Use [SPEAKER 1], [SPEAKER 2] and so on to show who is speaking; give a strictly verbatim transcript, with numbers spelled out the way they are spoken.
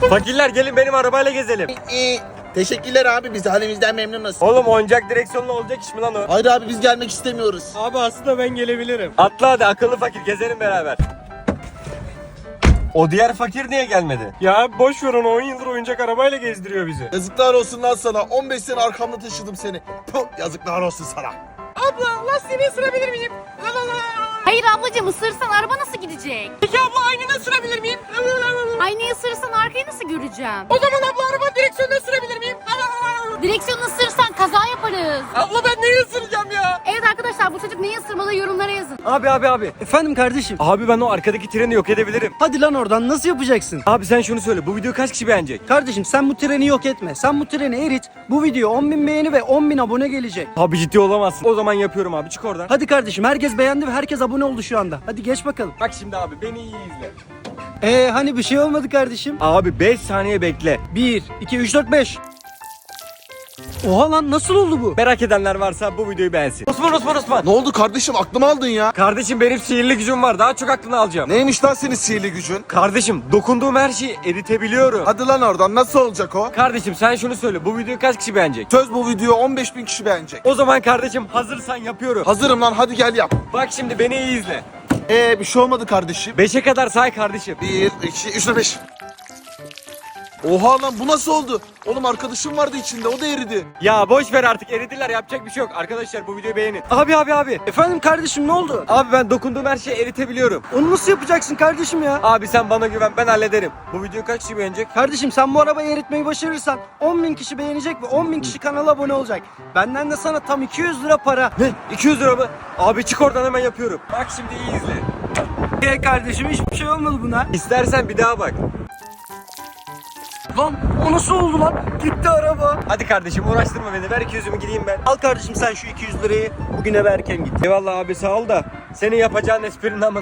[SPEAKER 1] Fakirler gelin benim arabayla gezelim.
[SPEAKER 2] Ee, teşekkürler abi, biz halimizden memnunuz.
[SPEAKER 1] Oğlum oyuncak direksiyonlu olacak iş mi lan o?
[SPEAKER 2] Hayır abi, biz gelmek istemiyoruz.
[SPEAKER 3] Abi aslında ben gelebilirim.
[SPEAKER 1] Atla hadi akıllı fakir gezelim beraber. O diğer fakir niye gelmedi?
[SPEAKER 3] Ya boş ver onu, on yıldır oyuncak arabayla gezdiriyor bizi.
[SPEAKER 2] Yazıklar olsun lan sana. on beş sene arkamda taşıdım seni. Puh, yazıklar olsun sana.
[SPEAKER 4] Abla lastiğini ısırabilir miyim? La la la.
[SPEAKER 5] Hayır ablacığım, ısırırsan araba nasıl gidecek?
[SPEAKER 4] Peki abla aynını ısırabilir miyim? La la la la.
[SPEAKER 5] Aynayı ısırırsan arkayı nasıl göreceğim?
[SPEAKER 4] O zaman abla araba direksiyonunu ısırabilir miyim? La la la la.
[SPEAKER 5] Direksiyonu ısırırsan kaza yaparız.
[SPEAKER 4] Abla ben neyi ısıracağım ya?
[SPEAKER 5] Evet arkadaşlar, bu çocuk neyi ısırmalı yorumlara yazın.
[SPEAKER 1] Abi abi abi.
[SPEAKER 6] Efendim kardeşim.
[SPEAKER 1] Abi ben o arkadaki treni yok edebilirim.
[SPEAKER 6] Hadi lan oradan, nasıl yapacaksın?
[SPEAKER 1] Abi sen şunu söyle, bu videoyu kaç kişi beğenecek?
[SPEAKER 6] Kardeşim sen bu treni yok etme. Sen bu treni erit. Bu video on bin beğeni ve on bin abone gelecek.
[SPEAKER 1] Abi ciddi olamazsın. O zaman yapıyorum abi, çık oradan.
[SPEAKER 6] Hadi kardeşim, herkes beğendi ve herkes abone oldu şu anda. Hadi geç bakalım.
[SPEAKER 1] Bak şimdi abi beni iyi izle.
[SPEAKER 6] Ee hani bir şey olmadı kardeşim.
[SPEAKER 1] Abi beş saniye bekle.
[SPEAKER 6] bir, iki, üç, dört, beş. Oha lan, nasıl oldu bu?
[SPEAKER 1] Merak edenler varsa bu videoyu beğensin. Osman Osman Osman.
[SPEAKER 2] Ne oldu kardeşim, aklımı aldın ya?
[SPEAKER 1] Kardeşim benim sihirli gücüm var, daha çok aklını alacağım.
[SPEAKER 2] Neymiş lan senin sihirli gücün?
[SPEAKER 1] Kardeşim dokunduğum her şeyi eritebiliyorum.
[SPEAKER 2] Hadi lan oradan, nasıl olacak o?
[SPEAKER 1] Kardeşim sen şunu söyle, bu videoyu kaç kişi beğenecek?
[SPEAKER 2] Söz, bu video on beş bin kişi beğenecek.
[SPEAKER 1] O zaman kardeşim hazırsan yapıyorum.
[SPEAKER 2] Hazırım lan, hadi gel yap.
[SPEAKER 1] Bak şimdi beni iyi izle.
[SPEAKER 2] Ee bir şey olmadı kardeşim.
[SPEAKER 1] Beşe kadar say kardeşim.
[SPEAKER 2] bir, iki, üç, dört, beş. Oha lan, bu nasıl oldu? Oğlum arkadaşım vardı içinde, o da eridi.
[SPEAKER 1] Ya boş ver artık, eridiler, yapacak bir şey yok. Arkadaşlar bu videoyu beğenin. Abi abi abi.
[SPEAKER 6] Efendim kardeşim, ne oldu?
[SPEAKER 1] Abi ben dokunduğum her şeyi eritebiliyorum.
[SPEAKER 6] Onu nasıl yapacaksın kardeşim ya?
[SPEAKER 1] Abi sen bana güven, ben hallederim. Bu videoyu kaç kişi beğenecek?
[SPEAKER 6] Kardeşim sen bu arabayı eritmeyi başarırsan on bin kişi beğenecek ve on bin kişi kanala abone olacak. Benden de sana tam iki yüz lira para.
[SPEAKER 1] Ne? iki yüz lira mı? Abi çık oradan, hemen yapıyorum. Bak şimdi iyi izle.
[SPEAKER 6] Ee kardeşim, hiçbir şey olmadı buna.
[SPEAKER 1] İstersen bir daha bak.
[SPEAKER 6] Lan o nasıl oldu lan? Gitti araba.
[SPEAKER 1] Hadi kardeşim uğraştırma beni, ver iki yüzümü gideyim ben.
[SPEAKER 6] Al kardeşim sen şu iki yüz lirayı, bugün eve erken git.
[SPEAKER 1] Eyvallah abi, sağ ol da senin yapacağın esprinin ama